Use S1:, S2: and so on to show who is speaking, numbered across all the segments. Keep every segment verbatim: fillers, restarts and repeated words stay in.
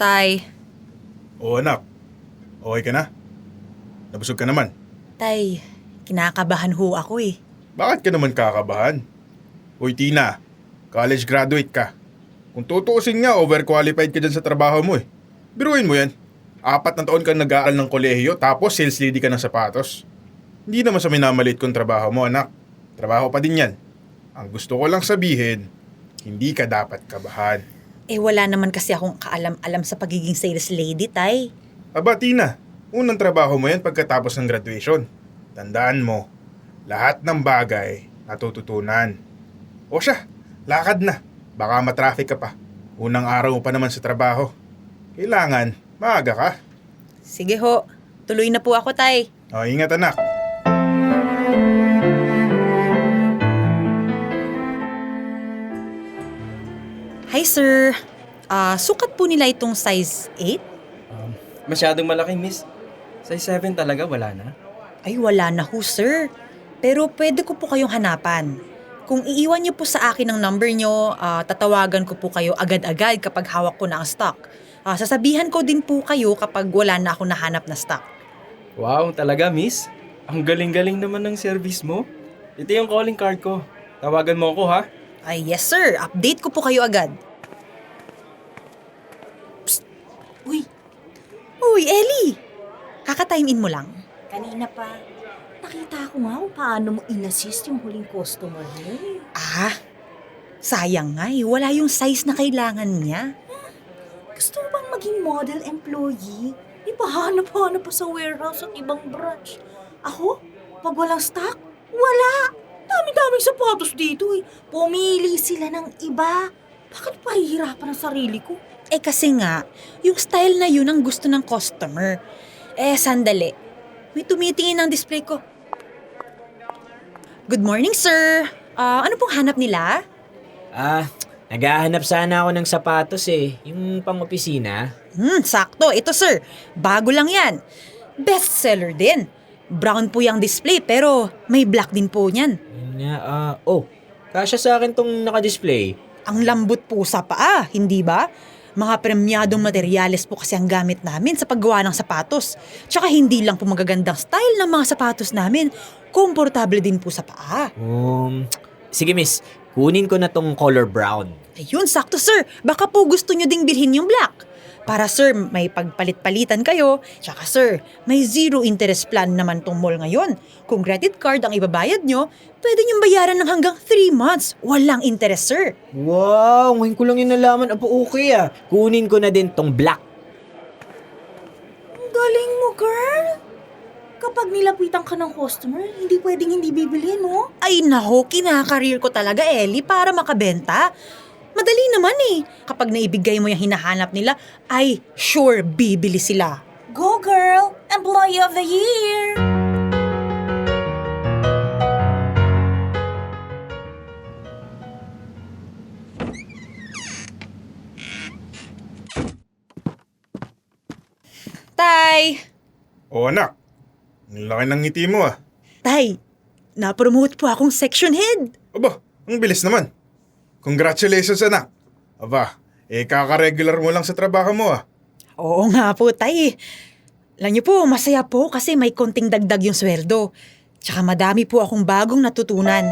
S1: Tay.
S2: Oo anak, okay ka na? Nabusog ka naman.
S1: Tay, kinakabahan ho ako eh.
S2: Bakit ka naman kakabahan? Uy Tina, college graduate ka. Kung tutuusin nga, overqualified ka dyan sa trabaho mo eh. Biruin mo yan. Apat na taon kang nag-aaral ng kolehiyo tapos sales lady ka ng sapatos. Hindi naman sa minamalit kong trabaho mo anak. Trabaho pa din yan. Ang gusto ko lang sabihin, hindi ka dapat kabahan.
S1: Eh wala naman kasi akong kaalam-alam sa pagiging sales lady, Tay.
S2: Aba Tina, unang trabaho mo yan pagkatapos ng graduation. Tandaan mo, lahat ng bagay natututunan. O siya, lakad na. Baka matraffic ka pa. Unang araw mo pa naman sa trabaho. Kailangan, maaga ka.
S1: Sige ho, tuloy na po ako, Tay.
S2: O, ingat anak.
S1: Hi, sir. Ah, sukat po nila itong size eight?
S3: Um, masyadong malaki, miss. Size seven talaga, wala na.
S1: Ay, wala na ho, sir. Pero pwede ko po kayong hanapan. Kung iiwan niyo po sa akin ang number niyo, ah, tatawagan ko po kayo agad-agad kapag hawak ko na ang stock. Ah, sasabihan ko din po kayo kapag wala na ako nahanap na stock.
S3: Wow, talaga, miss. Ang galing-galing naman ng service mo. Ito yung calling card ko. Tawagan mo ako, ha?
S1: Ay, yes sir. Update ko po kayo agad. Psst! Uy! Uy, Ellie! Kaka-time in mo lang.
S4: Kanina pa, nakita ko nga kung paano mo in-assist yung huling customer mo.
S1: Ah, sayang nga eh. Wala yung size na kailangan niya.
S4: Gusto mo bang maging model employee? Ipahanap-hanap pa sa warehouse at ibang branch. Ako, pag walang stock, wala. Dami-daming sapatos dito eh. Pumili sila ng iba. Bakit pahihirapan ang sarili ko?
S1: Eh kasi nga, yung style na yun ang gusto ng customer. Eh, sandali. May tumitingin ng display ko. Good morning, sir. Ah, ano pong hanap nila?
S5: Ah, naghahanap sana ako ng sapatos eh. Yung pang-opisina.
S1: Hmm, sakto. Ito, sir. Bago lang yan. Best seller din. Brown po yung display pero may black din po niyan.
S5: Yun nga, ah, oh, kasya sa akin tong naka-display.
S1: Ang lambot po sa paa, hindi ba? Mga premyadong materyales po kasi ang gamit namin sa paggawa ng sapatos. Tsaka hindi lang po magagandang style ng mga sapatos namin. Komportable din po sa paa.
S5: Um, sige miss, kunin ko na tong color brown.
S1: Ayun, sakto sir. Baka po gusto nyo ding bilhin yung black. Para sir, may pagpalit-palitan kayo. Tsaka sir, may zero interest plan naman tong mall ngayon. Kung credit card ang ibabayad nyo, pwede nyong bayaran ng hanggang three months. Walang interest sir.
S5: Wow, ngayon ko lang yun nalaman. Apo, okay ah. Kunin ko na din tong black.
S4: Ang galing mo, girl. Kapag nilapitan ka ng customer, hindi pwedeng hindi bibilhin mo.
S1: Ay naho, kinakareer ko talaga Ellie para makabenta. Madali naman eh. Kapag naibigay mo yung hinahanap nila, ay sure bibili sila.
S4: Go, girl! Employee of the Year!
S1: Tay!
S2: O anak, ang laki ng ngiti mo ah.
S1: Tay, na-promote po akong section head.
S2: Aba, ang bilis naman. Congratulations anak. Aba, eh kaka-regular mo lang sa trabaho mo ah.
S1: Oo nga po, tay. Alam niyo po, masaya po kasi may konting dagdag yung sweldo. Tsaka madami po akong bagong natutunan.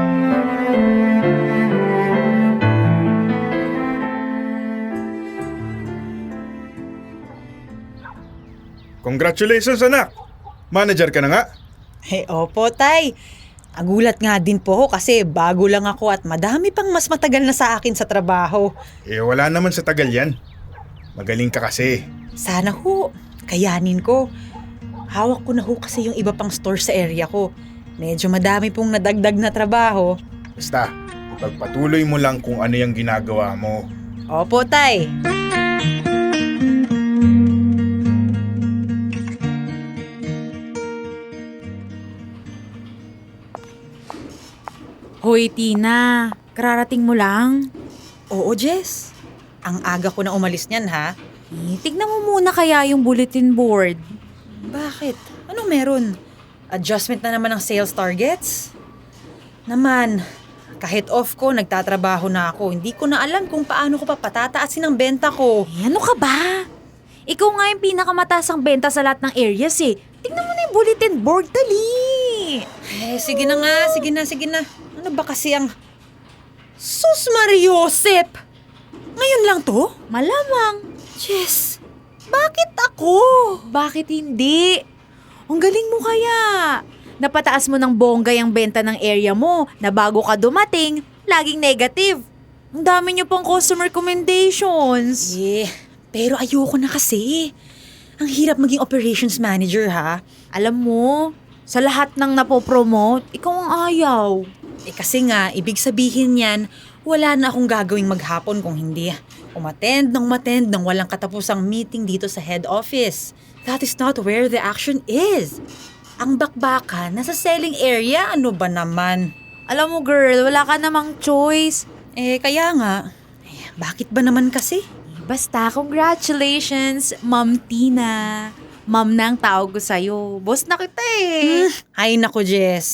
S2: Congratulations anak. Manager ka na nga.
S1: Eh, opo, tay. Nagulat nga din po ako kasi bago lang ako at madami pang mas matagal na sa akin sa trabaho.
S2: Eh wala naman sa tagal yan. Magaling ka kasi.
S1: Sana ho, kayanin ko. Hawak ko na ho kasi yung iba pang store sa area ko. Medyo madami pong nadagdag na trabaho.
S2: Basta, ipagpatuloy mo lang kung ano yung ginagawa mo.
S1: Opo, tay.
S6: Hoy, Tina. Kararating mo lang.
S1: Oo, Jess. Ang aga ko na umalis niyan, ha?
S6: Eh, tignan mo muna kaya yung bulletin board.
S1: Bakit? Anong meron? Adjustment na naman ng sales targets? Naman, Kahit off ko, nagtatrabaho na ako. Hindi ko na alam kung paano ko pa patataasin ang benta ko.
S6: Eh, ano ka ba? Ikaw nga yung pinakamataas ang benta sa lahat ng areas eh. Tingnan mo na yung bulletin board, dali!
S1: Eh, sige na nga, sige na, sige na. Ano ba kasi ang... Sus Mariosep! Ngayon lang to?
S6: Malamang.
S1: Jess, bakit ako?
S6: Bakit hindi? Ang galing mo kaya. Napataas mo ng bonggay ang benta ng area mo na bago ka dumating, laging negative. Ang dami niyo pang customer recommendations.
S1: Eh, pero ayoko na kasi. Ang hirap maging operations manager ha.
S6: Alam mo, sa lahat ng napopromote, ikaw ang ayaw.
S1: Eh kasi nga, ibig sabihin yan, wala na akong gagawing maghapon kung hindi umattend ng umattend ng walang katapusang meeting dito sa head office. That is not where the action is. Ang bakbakan, nasa selling area, ano ba naman?
S6: Alam mo girl, wala ka namang choice.
S1: Eh, kaya nga, eh, bakit ba naman kasi?
S6: Basta, congratulations, Ma'am Tina. Ma'am na ang tawag ko sa'yo. Boss na kita eh.
S1: Hmm, ay nako, Jess.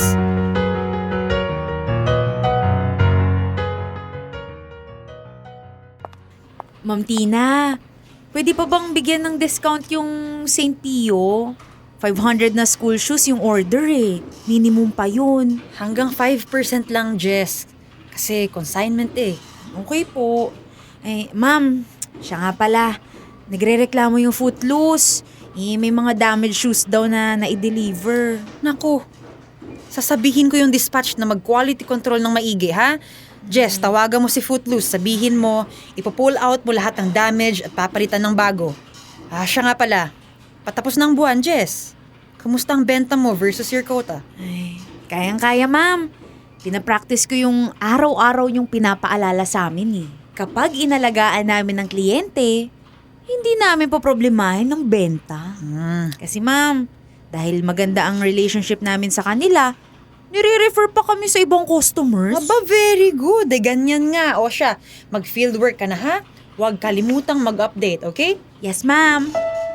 S6: Ma'am Tina, pwede pa bang bigyan ng discount yung Saint Pio? five hundred na school shoes yung order eh. Minimum pa yun.
S1: Hanggang five percent lang, Jess. Kasi consignment eh.
S6: Okay po. Eh, ma'am, siya nga pala. Nagre-reklamo yung Footloose. Eh, may mga damaged shoes daw na na-deliver.
S1: Naku, sasabihin ko yung dispatch na mag-quality control ng maigi, ha? Jess, tawagan mo si Footloose. Sabihin mo, ipo-pull out mo lahat ng damage at papalitan ng bago. Ah, siya nga pala. Patapos ng buwan, Jess. Kumusta ang benta mo versus your quota?
S6: Ay, kayang-kaya, ma'am. Pinapractice ko yung araw-araw yung pinapaalala sa amin eh. Kapag inalagaan namin ng kliyente, hindi namin poproblemahin ng benta.
S1: Hmm.
S6: Kasi ma'am, dahil maganda ang relationship namin sa kanila, nire-refer pa kami sa ibang customers.
S1: Aba, very good. Eh, ganyan nga. O siya, mag-fieldwork ka na, ha? Huwag kalimutang mag-update, okay?
S6: Yes, ma'am.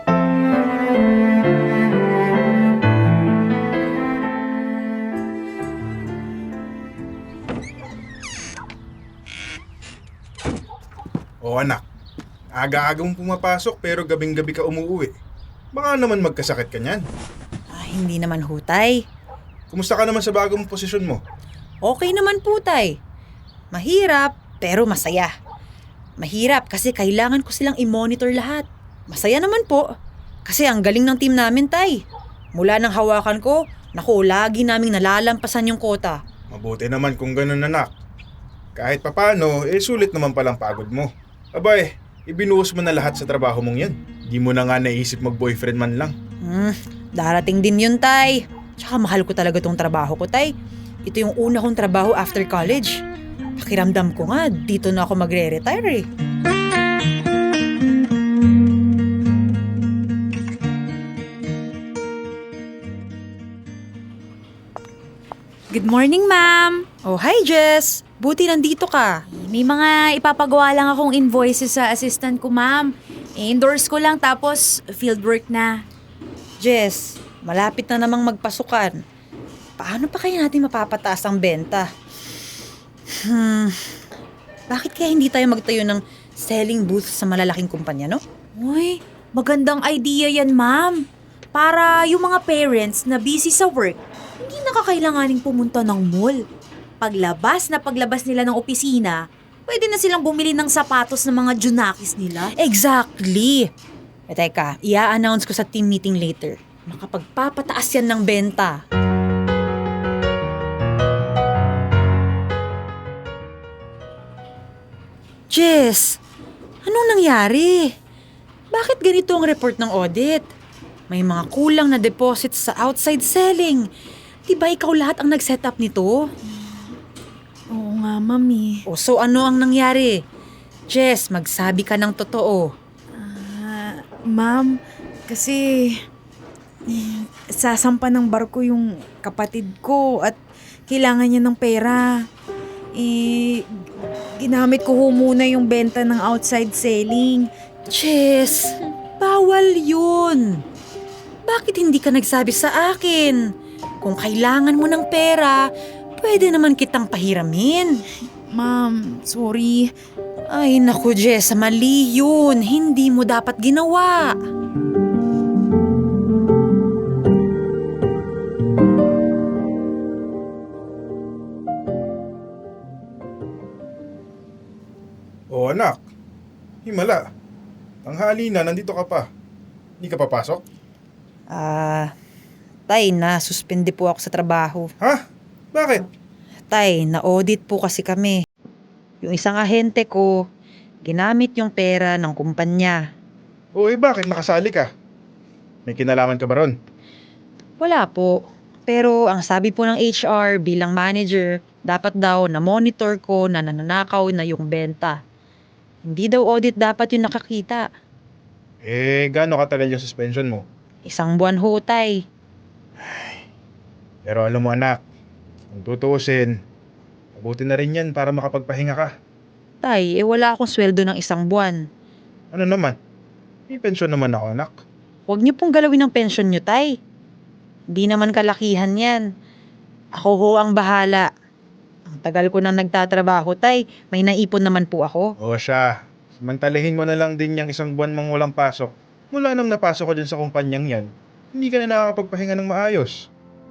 S2: O anak, aga-aga mong pumapasok pero gabing-gabi ka umuwi. Baka naman magkasakit ka niyan.
S1: Ah, hindi naman hutay.
S2: Kumusta ka naman sa bagong posisyon mo?
S1: Okay naman po, tay. Mahirap, pero masaya. Mahirap kasi kailangan ko silang i-monitor lahat. Masaya naman po. Kasi ang galing ng team namin, tay. Mula nang hawakan ko, naku, lagi naming nalalampasan yung quota.
S2: Mabuti naman kung ganun, anak. Kahit papano, eh sulit naman palang pagod mo. Abay, ibinuhos mo na lahat sa trabaho mong yan. Di mo na nga naisip mag-boyfriend man lang.
S1: Hmm, darating din yun, tay. Tsaka mahal ko talaga tong trabaho ko, tay. Ito yung una kong trabaho after college. Pakiramdam ko nga, dito na ako magre-retire eh.
S6: Good morning, ma'am.
S1: Oh, hi Jess! Buti nandito ka.
S6: May mga ipapagawa lang akong invoices sa assistant ko, ma'am. I-endorse ko lang tapos fieldwork na.
S1: Jess, malapit na namang magpasukan. Paano pa kaya natin mapapataas ang benta? Hmm, bakit kaya hindi tayo magtayo ng selling booth sa malalaking kumpanya, no?
S6: Uy, magandang idea yan, ma'am. Para yung mga parents na busy sa work, hindi nakakailanganing pumunta ng mall. Paglabas na paglabas nila ng opisina, pwede na silang bumili ng sapatos ng mga junakis nila.
S1: Exactly! E teka, i-announce ko sa team meeting later. Makapagpapataas yan ng benta. Jess, anong nangyari? Bakit ganito ang report ng audit? May mga kulang na deposits sa outside selling. Di ba ikaw lahat ang nag-set up nito?
S6: Oo nga, mami.
S1: O so ano ang nangyari? Jess, magsabi ka ng totoo.
S6: Ah, ma'am, kasi eh, sasampa ng barko yung kapatid ko at kailangan niya ng pera. Eh, ginamit ko ho muna yung benta ng outside selling.
S1: Jess, bawal yun. Bakit hindi ka nagsabi sa akin? Kung kailangan mo ng pera, pwede naman kitang pahiramin.
S6: Ma'am, sorry.
S1: Ay naku Jessa, mali yun. Hindi mo dapat ginawa.
S2: O anak, himala. Tanghali na, nandito ka pa. Hindi ka papasok?
S1: Ah, tay, na-suspende po ako sa trabaho.
S2: Ha? Bakit?
S1: Tay, na-audit po kasi kami. Yung isang ahente ko, ginamit yung pera ng kumpanya.
S2: O eh bakit nakasali ka? May kinalaman ka ba ron?
S1: Wala po. Pero ang sabi po ng H R bilang manager, dapat daw na-monitor ko na nananakaw na yung benta. Hindi daw audit dapat yung nakakita.
S2: Eh, gaano katagal yung suspension mo?
S1: Isang buwan ho, tay.
S2: Pero alam mo anak, kung tutuusin, mabuti na rin yan para makapagpahinga ka.
S1: Tay, eh wala akong sweldo ng isang buwan.
S2: Ano naman? May pensyon naman ako anak.
S1: Huwag niyo pong galawin ang pensyon niyo, tay. Hindi naman kalakihan yan. Ako ho ang bahala. Ang tagal ko nang nagtatrabaho, tay. May naipon naman po ako.
S2: O siya, samantalahin mo na lang din yung isang buwan mong walang pasok. Mula nang napasok ko dyan sa kumpanyang yan, hindi ka na nakakapagpahinga ng maayos.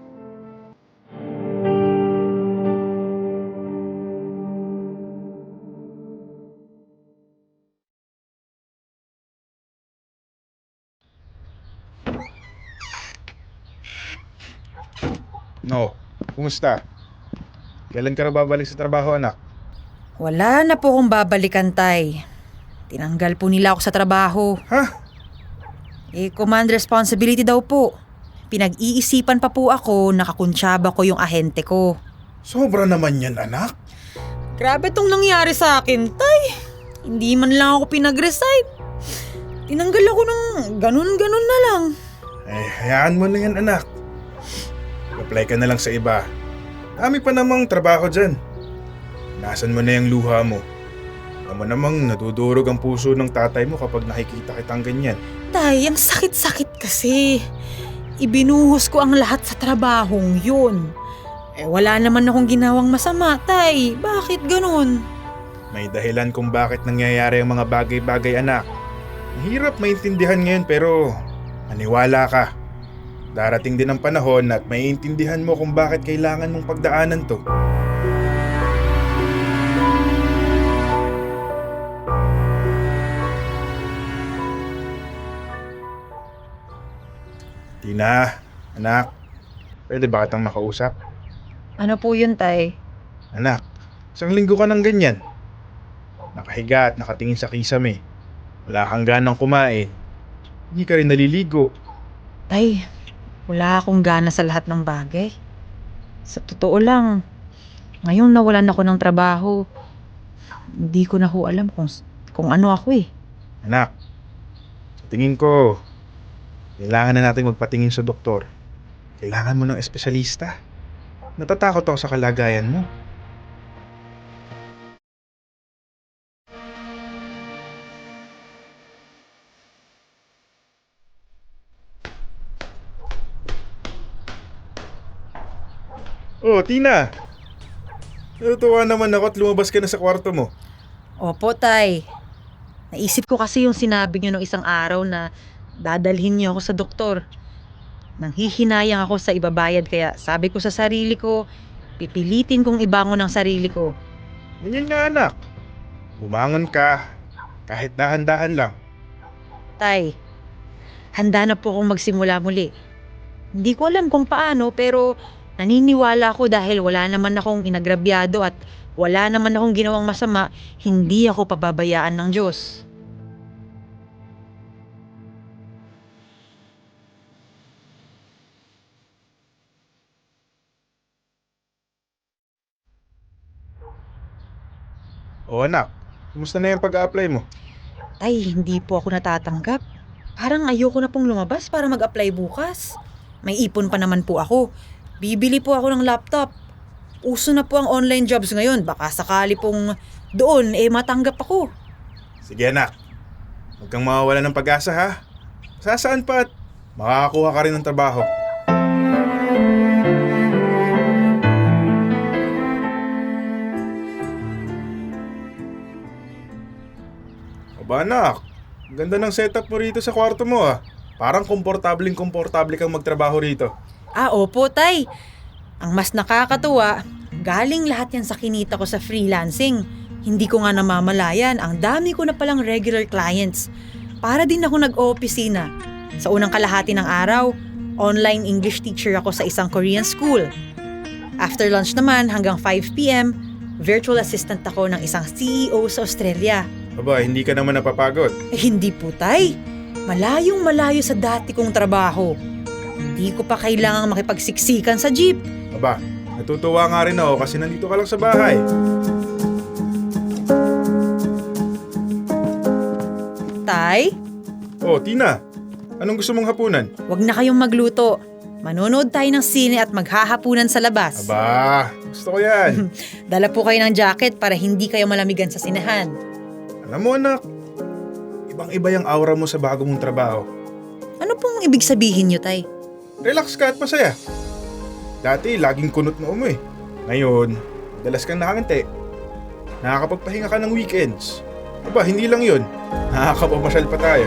S2: No, kumusta? Kailan ka na babalik sa trabaho anak?
S1: Wala na po akong babalikan, tay. Tinanggal po nila ako sa trabaho.
S2: Ha?
S1: Eh, command responsibility daw po. Pinag-iisipan pa po ako, nakakuntsaba ko yung ahente ko.
S2: Sobra naman yan anak.
S1: Grabe tong nangyari sa akin, tay. Hindi man lang ako pinag-resign. Tinanggal ako ng ganun-ganun na lang.
S2: Eh, hayaan mo na yan anak. Apply ka na lang sa iba. Dami pa namang trabaho dyan. Nasaan mo na yung luha mo? Alam mo namang nadudurog ang puso ng tatay mo kapag nakikita kitang ganyan.
S1: Tay, ang sakit-sakit kasi. Ibinuhos ko ang lahat sa trabahong yun. Eh wala naman akong ginawang masama, tay. Bakit ganun?
S2: May dahilan kung bakit nangyayari ang mga bagay-bagay anak. Mahirap maintindihan ngayon pero maniwala ka. Darating din ang panahon at maiintindihan mo kung bakit kailangan mong pagdaanan to. Tina, anak, pwede ba kitang makausap?
S1: Ano po yun, tay?
S2: Anak, isang linggo ka ng ganyan. Nakahiga at nakatingin sa kisame. Wala kang ganang kumain. Hindi ka rin naliligo.
S1: Tay, wala akong gana sa lahat ng bagay. Sa totoo lang, ngayong nawalan ako ng trabaho, hindi ko na ho alam kung, kung ano ako eh.
S2: Anak, sa tingin ko, kailangan na natin magpatingin sa doktor. Kailangan mo ng espesyalista. Natatakot ako sa kalagayan mo. Oh, Tina! Natutuwa naman ako at lumabas ka na sa kwarto mo.
S1: Opo, tay. Naisip ko kasi yung sinabi niyo nung isang araw na dadalhin niyo ako sa doktor. Nanghihinayang ako sa ibabayad kaya sabi ko sa sarili ko, pipilitin kong ibangon ang sarili ko.
S2: Ganyan nga anak. Bumangon ka, kahit dahan-dahan lang.
S1: Tay, handa na po akong magsimula muli. Hindi ko alam kung paano pero naniniwala ako dahil wala naman akong inagrabyado at wala naman akong ginawang masama, hindi ako pababayaan ng Diyos.
S2: O anak, kumusta na yung pag-a-apply mo?
S1: Tay, hindi po ako natatanggap. Parang ayoko na pong lumabas para mag-apply bukas. May ipon pa naman po ako. Bibili po ako ng laptop. Uso na po ang online jobs ngayon. Baka sakali pong doon eh matanggap ako.
S2: Sige anak, huwag kang mawawala ng pag-asa ha. Sasaan pa at makakakuha ka rin ng trabaho. Aba anak, ang ganda ng setup mo rito sa kwarto mo ah. Parang komportabling komportable kang magtrabaho rito.
S1: Ah, opo, tay. Ang mas nakakatuwa, galing lahat yan sa kinita ko sa freelancing. Hindi ko nga namamalayan, ang dami ko na palang regular clients. Para din ako nag-oopisina. Sa unang kalahati ng araw, online English teacher ako sa isang Korean school. After lunch naman hanggang five p.m, virtual assistant ako ng isang C E O sa Australia.
S2: Aba, hindi ka naman napapagod.
S1: Eh, hindi po, tay. Malayong malayo sa dati kong trabaho. Hindi ko pa kailangang makipagsiksikan sa jeep.
S2: Aba, natutuwa nga rin ako kasi nandito ka lang sa bahay.
S1: Tay,
S2: Oh, Tina, anong gusto mong hapunan?
S1: wag na kayong magluto. Manonood tayo ng sine at maghahapunan sa labas.
S2: Aba, gusto ko yan.
S1: Dala po kayo ng jacket para hindi kayo malamigan sa sinehan.
S2: Alam mo anak, ibang-iba yung aura mo sa bago mong trabaho.
S1: Ano pong ibig sabihin nyo, tay?
S2: Relax ka at masaya. Dati, laging kunot noo mo eh. Ngayon, dalas kang nakangiti. Nakakapagpahinga ka ng weekends. Aba, hindi lang yun. Nakakapapasyal pa tayo.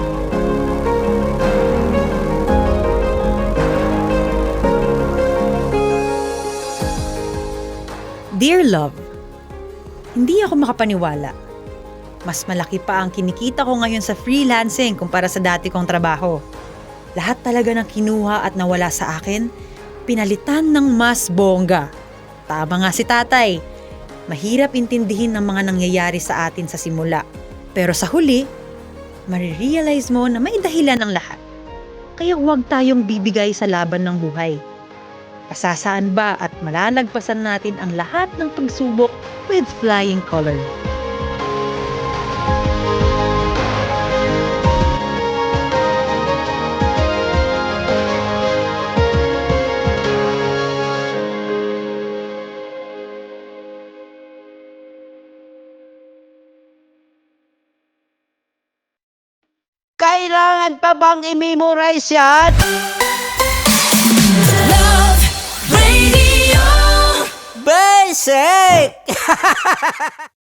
S1: Dear love, hindi ako makapaniwala. Mas malaki pa ang kinikita ko ngayon sa freelancing kumpara sa dati kong trabaho. Lahat talaga ng kinuha at nawala sa akin, pinalitan ng mas bongga. Tama nga si tatay. Mahirap intindihin ng mga nangyayari sa atin sa simula. Pero sa huli, marirealize mo na may dahilan ang lahat. Kaya huwag tayong bibigay sa laban ng buhay. Pasasaan ba at malalagpasan natin ang lahat ng pagsubok with flying color.
S7: Kailangan pa bang i-memorize yan?
S8: Love Radio.
S7: Basic!